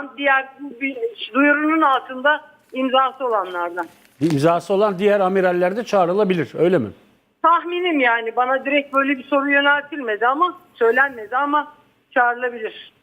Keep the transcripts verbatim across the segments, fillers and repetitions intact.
olan diğer bu bir duyurunun altında imzası olanlardan. İmzası olan diğer amiraller de çağrılabilir, öyle mi? Tahminim yani, bana direkt böyle bir soru yöneltilmedi ama söylenmedi ama çağrılabilir.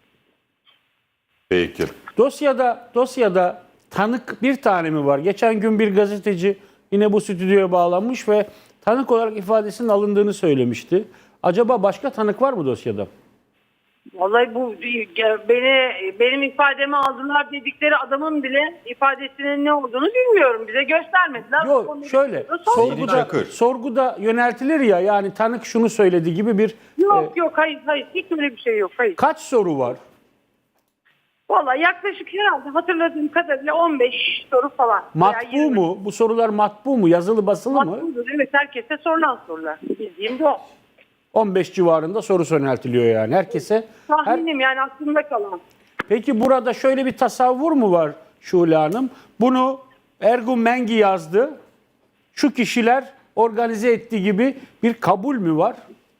Peki. Dosyada dosyada tanık bir tane mi var? Geçen gün bir gazeteci yine bu stüdyoya bağlanmış ve tanık olarak ifadesinin alındığını söylemişti. Acaba başka tanık var mı dosyada? Vallahi bu beni benim ifademi aldılar dedikleri adamın bile ifadesinin ne olduğunu bilmiyorum. Bize göstermediler. Yok, şöyle sorguda, Çakır. sorguda yöneltilir ya, yani tanık şunu söyledi gibi bir Yok e, yok hayır hayır hiç öyle bir şey yok. Hayır. kaç soru var? Vallahi yaklaşık herhalde hatırladığım kadarıyla on beş soru falan. Matbu mu? Bu sorular matbu mu? Yazılı basılı mı? Matbudur. Evet, herkese sorulan sorular. Bildiğim de o. on beş civarında soru yöneltiliyor yani herkese. Her... Tahminim yani aklımda kalan. Peki burada şöyle bir tasavvur mu var Şule Hanım? Bunu Ergun Mengi yazdı. Şu kişiler organize ettiği gibi bir kabul mü var?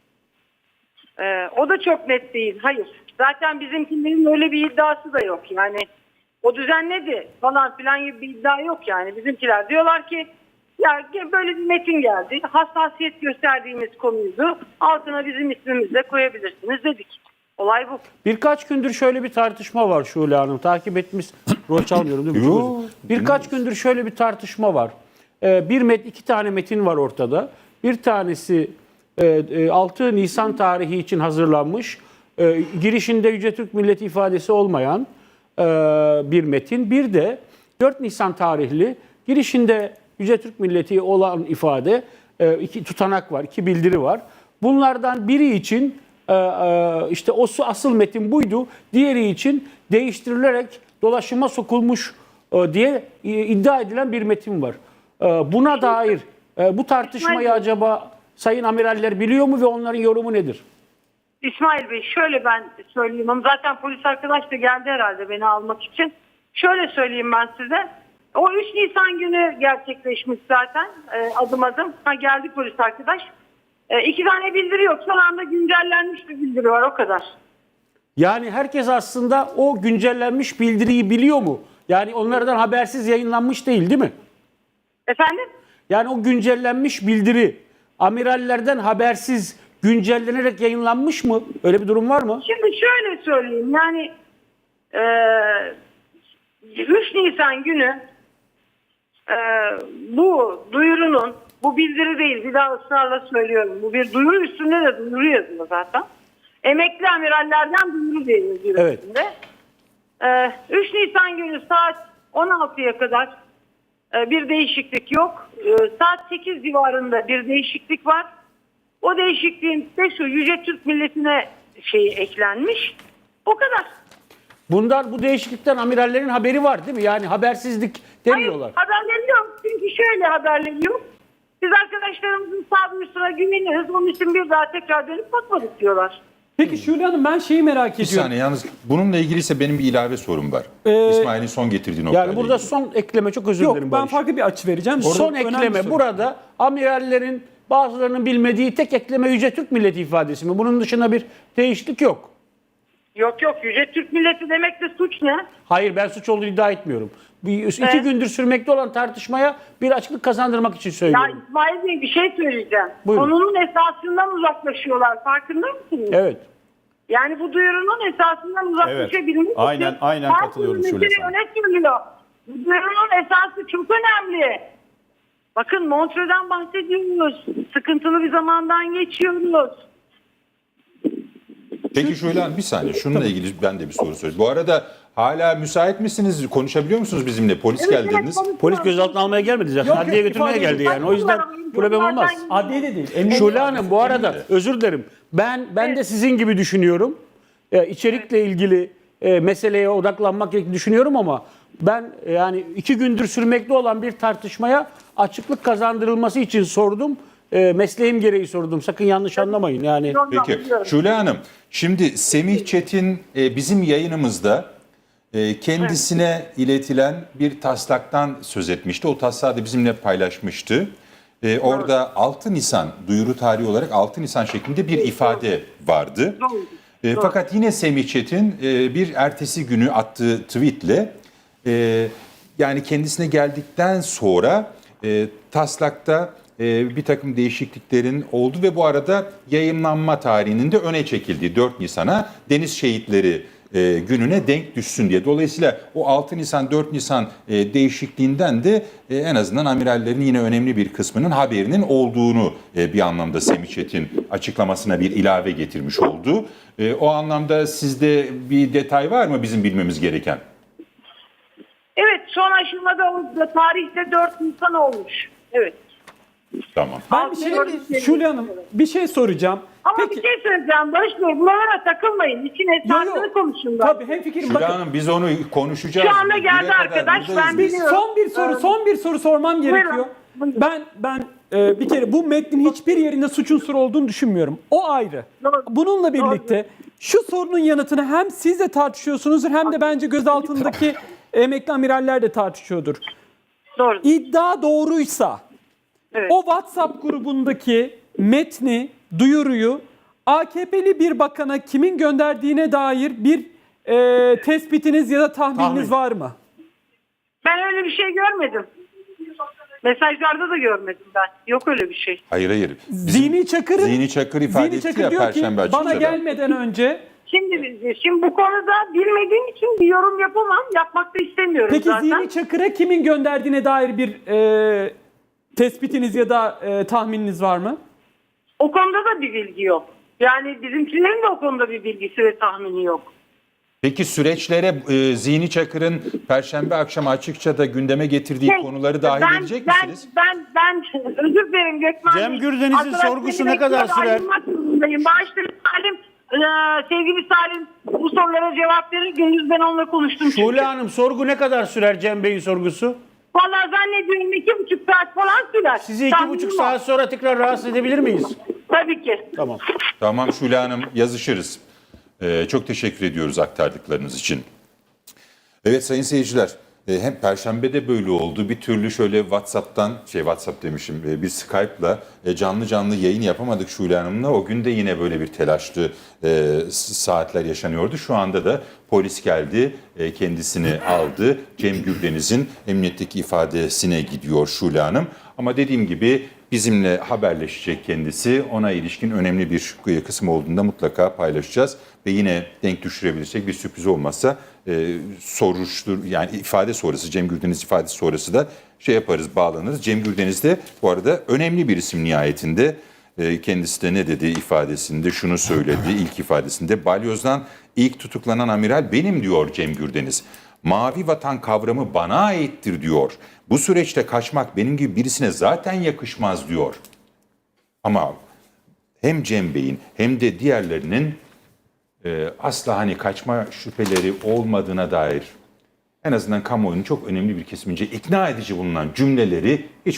Ee, o da çok net değil. Hayır. Zaten bizimkilerin öyle bir iddiası da yok. Yani o düzenledi falan filan gibi bir iddia yok yani. Bizimkiler diyorlar ki ya böyle bir metin geldi. Hassasiyet gösterdiğimiz konuydu. Altına bizim ismimizi de koyabilirsiniz dedik. Olay bu. Birkaç gündür şöyle bir tartışma var Şule Hanım. Takip etmiş. Rol çalmıyorum değil mi? Yo. Birkaç gündür şöyle bir tartışma var. Ee, bir met, iki tane metin var ortada. Bir tanesi e, e, altı Nisan tarihi için hazırlanmış. E, girişinde Yüce Türk Milleti ifadesi olmayan e, bir metin. Bir de dört Nisan tarihli girişinde Yüce Türk Milleti olan ifade, e, iki tutanak var, iki bildiri var. Bunlardan biri için e, e, işte o asıl metin buydu. Diğeri için değiştirilerek dolaşıma sokulmuş e, diye e, iddia edilen bir metin var. E, buna dair e, bu tartışmayı acaba sayın amiraller biliyor mu ve onların yorumu nedir? İsmail Bey şöyle ben söyleyeyim ama zaten polis arkadaş da geldi herhalde beni almak için. Şöyle söyleyeyim ben size. O üç Nisan günü gerçekleşmiş zaten e, adım adım. Ha, geldi polis arkadaş. E, iki tane bildiri yok. Son anda güncellenmiş bir bildiri var, o kadar. Yani herkes aslında o güncellenmiş bildiriyi biliyor mu? Yani onlardan habersiz yayınlanmış değil, değil mi? Efendim? Yani o güncellenmiş bildiri amirallerden habersiz güncellenerek yayınlanmış mı? Öyle bir durum var mı? Şimdi şöyle söyleyeyim yani e, üç Nisan günü e, bu duyurunun, bu bildiri değil, bir daha ısrarla söylüyorum, bu bir duyuru, üstünde de duyuru yazıyor zaten. Emekli amirallerden duyuru diye yazıyor Evet. üstünde. E, üç Nisan günü saat on altıya kadar e, bir değişiklik yok. E, saat sekiz civarında bir değişiklik var. O değişikliğin de şu: Yüce Türk Milleti'ne şeyi eklenmiş. O kadar. Bundan, bu değişiklikten amirallerin haberi var değil mi? Yani habersizlik demiyorlar. Hayır, haberleri yok. Çünkü şöyle haberleri yok. Biz arkadaşlarımızın sağduyusuna güveniyoruz. Onun için bir daha tekrar dönüp bakmadık diyorlar. Peki Şule Hanım, ben şeyi merak Bir ediyorum. saniye yalnız bununla ilgili ise benim bir ilave sorum var. Ee, İsmail'in son getirdiği noktayla Yani burada ilgili. son ekleme, çok özür Yok, dilerim ben Barış. farklı bir açı vereceğim. Son Önemli ekleme soru. burada amirallerin bazılarının bilmediği tek ekleme Yüce Türk Milleti ifadesi mi? Bunun dışında bir değişiklik yok. Yok yok, Yüce Türk Milleti demek de suç ne? Hayır, ben suç olduğunu iddia etmiyorum. Bir, iki Evet. gündür sürmekte olan tartışmaya bir açıklık kazandırmak için Ya söylüyorum. İsmail Bey, bir şey söyleyeceğim. Buyurun. Konunun esasından uzaklaşıyorlar. Farkında mısınız? Evet. Yani bu duyurunun esasından uzaklaşabilmek için Aynen- aynen her katılıyorum türlü Şule mesele sana. öne sürülüyor. Bu duyurunun esası çok önemli. Bakın, Montreux'den bahsediyoruz. Sıkıntılı bir zamandan geçiyoruz. Peki Şule Hanım bir saniye şununla ilgili ben de bir soru sorayım. Bu arada hala müsait misiniz? Konuşabiliyor musunuz bizimle? Polis Evet, geldi evet, dediniz. konuşuyoruz. Polis gözaltına almaya gelmedi zaten. Yok, Adliye yok, götürmeye ifade geldi yani. O yüzden problem olmaz. Adliye de değil. Emniyet- Şule Hanım, bu arada özür dilerim. Ben ben de sizin gibi düşünüyorum. Ee, içerikle ilgili e, meseleye odaklanmak gerektiğini düşünüyorum ama ben e, yani iki gündür sürmekte olan bir tartışmaya açıklık kazandırılması için sordum. E, mesleğim gereği sordum. Sakın yanlış anlamayın. Yani Peki Şule Hanım, şimdi Semih Çetin e, bizim yayınımızda e, kendisine iletilen bir taslaktan söz etmişti. O taslağı da bizimle paylaşmıştı. E, orada altı Nisan duyuru tarihi olarak altı Nisan şeklinde bir ifade vardı. E, fakat yine Semih Çetin e, bir ertesi günü attığı tweetle e, yani kendisine geldikten sonra e, taslakta e, bir takım değişikliklerin oldu ve bu arada yayınlanma tarihinin de öne çekildiği dört Nisan'a Deniz Şehitleri e, gününe denk düşsün diye. Dolayısıyla o altı Nisan dört Nisan e, değişikliğinden de e, en azından amirallerin yine önemli bir kısmının haberinin olduğunu e, bir anlamda Semih Çetin açıklamasına bir ilave getirmiş oldu. E, o anlamda sizde bir detay var mı bizim bilmemiz gereken? Evet, son aşamada o da tarihte dört Nisan olmuş. Evet. Tamam. Ben bir şey, Şule Hanım bir şey soracağım. Ama Peki, bir şey söyleyeceğim Barış Bey, bunlara takılmayın. İçin esasını konuşun. Tabii hemfikirim. Şule Bakın, Hanım biz onu konuşacağız. Şu anda Bire geldi kadar arkadaş, buradayız ben biz. biliyorum. son bir soru, Evet. son bir soru sormam gerekiyor. Buyurun, buyurun. Ben ben e, bir kere bu metnin hiçbir yerinde suç unsuru olduğunu düşünmüyorum. O ayrı. Doğru. Bununla birlikte şu sorunun yanıtını hem siz de tartışıyorsunuzdur hem de bence gözaltındaki emekli amiraller de tartışıyordur. Doğru. İddia doğruysa Evet. o WhatsApp grubundaki metni, duyuruyu A K P'li bir bakana kimin gönderdiğine dair bir e, tespitiniz ya da tahmininiz Tahmin. var mı? Ben öyle bir şey görmedim. Mesajlarda da görmedim ben. Yok öyle bir şey. Hayır hayır. Bizim Zihni Çakır'ın Zihni Çakır ifade Zihni etti Çakır ya diyor ki Perşembe bana açıkçada. gelmeden önce Şimdi şimdi bu konuda bilmediğim için bir yorum yapamam. Yapmak da istemiyorum peki zaten. Zihni Çakır'a kimin gönderdiğine dair bir e, tespitiniz ya da e, tahmininiz var mı? O konuda da bir bilgi yok. Yani bizimkilerin de o konuda bir bilgisi ve tahmini yok. Peki süreçlere e, Zihni Çakır'ın Perşembe akşamı açıkça da gündeme getirdiği Şey, konuları dahil ben, edecek ben, misiniz? Ben, ben, özür dilerim Gökmen Bey. Cem Gürdeniz'in Arkadaş, sorgusu beni ne kadar bekliyor, sürer? ayrılmak zorundayım. Bağışlayın Salim. Ee, sevgili Salim bu sorulara cevap verir. Gündüz ben onunla konuştum. çünkü. Şule Hanım sorgu ne kadar sürer Cem Bey'in sorgusu? Vallahi zannediyorum iki buçuk saat falan sürer. Sizi iki Tahminim buçuk o. saat sonra tekrar rahatsız edebilir miyiz? Tabii ki. Tamam. Tamam Şule Hanım yazışırız. E, çok teşekkür ediyoruz aktardıklarınız için. Evet sayın seyirciler, e, hem Perşembe'de böyle oldu. Bir türlü şöyle WhatsApp'tan, şey WhatsApp demişim, e, bir Skype'la e, canlı canlı yayın yapamadık Şule Hanım'la. O gün de yine böyle bir telaşlı e, saatler yaşanıyordu. Şu anda da polis geldi, e, kendisini aldı. Cem Gürdeniz'in emniyetteki ifadesine gidiyor Şule Hanım. Ama dediğim gibi bizimle haberleşecek kendisi. Ona ilişkin önemli bir kısım olduğunda mutlaka paylaşacağız. Ve yine denk düşürebilirsek bir sürpriz olmazsa e, soruştur yani ifade sonrası Cem Gürdeniz ifadesi sonrası da şey yaparız, bağlanırız. Cem Gürdeniz de bu arada önemli bir isim nihayetinde. E, kendisi de ne dedi ifadesinde şunu söyledi ilk ifadesinde. Balyoz'dan ilk tutuklanan amiral benim diyor Cem Gürdeniz. Mavi vatan kavramı bana aittir diyor. Bu süreçte kaçmak benim gibi birisine zaten yakışmaz diyor. Ama hem Cem Bey'in hem de diğerlerinin e, asla hani kaçma şüpheleri olmadığına dair en azından kamuoyunun çok önemli bir kesimince ikna edici bulunan cümleleri hiç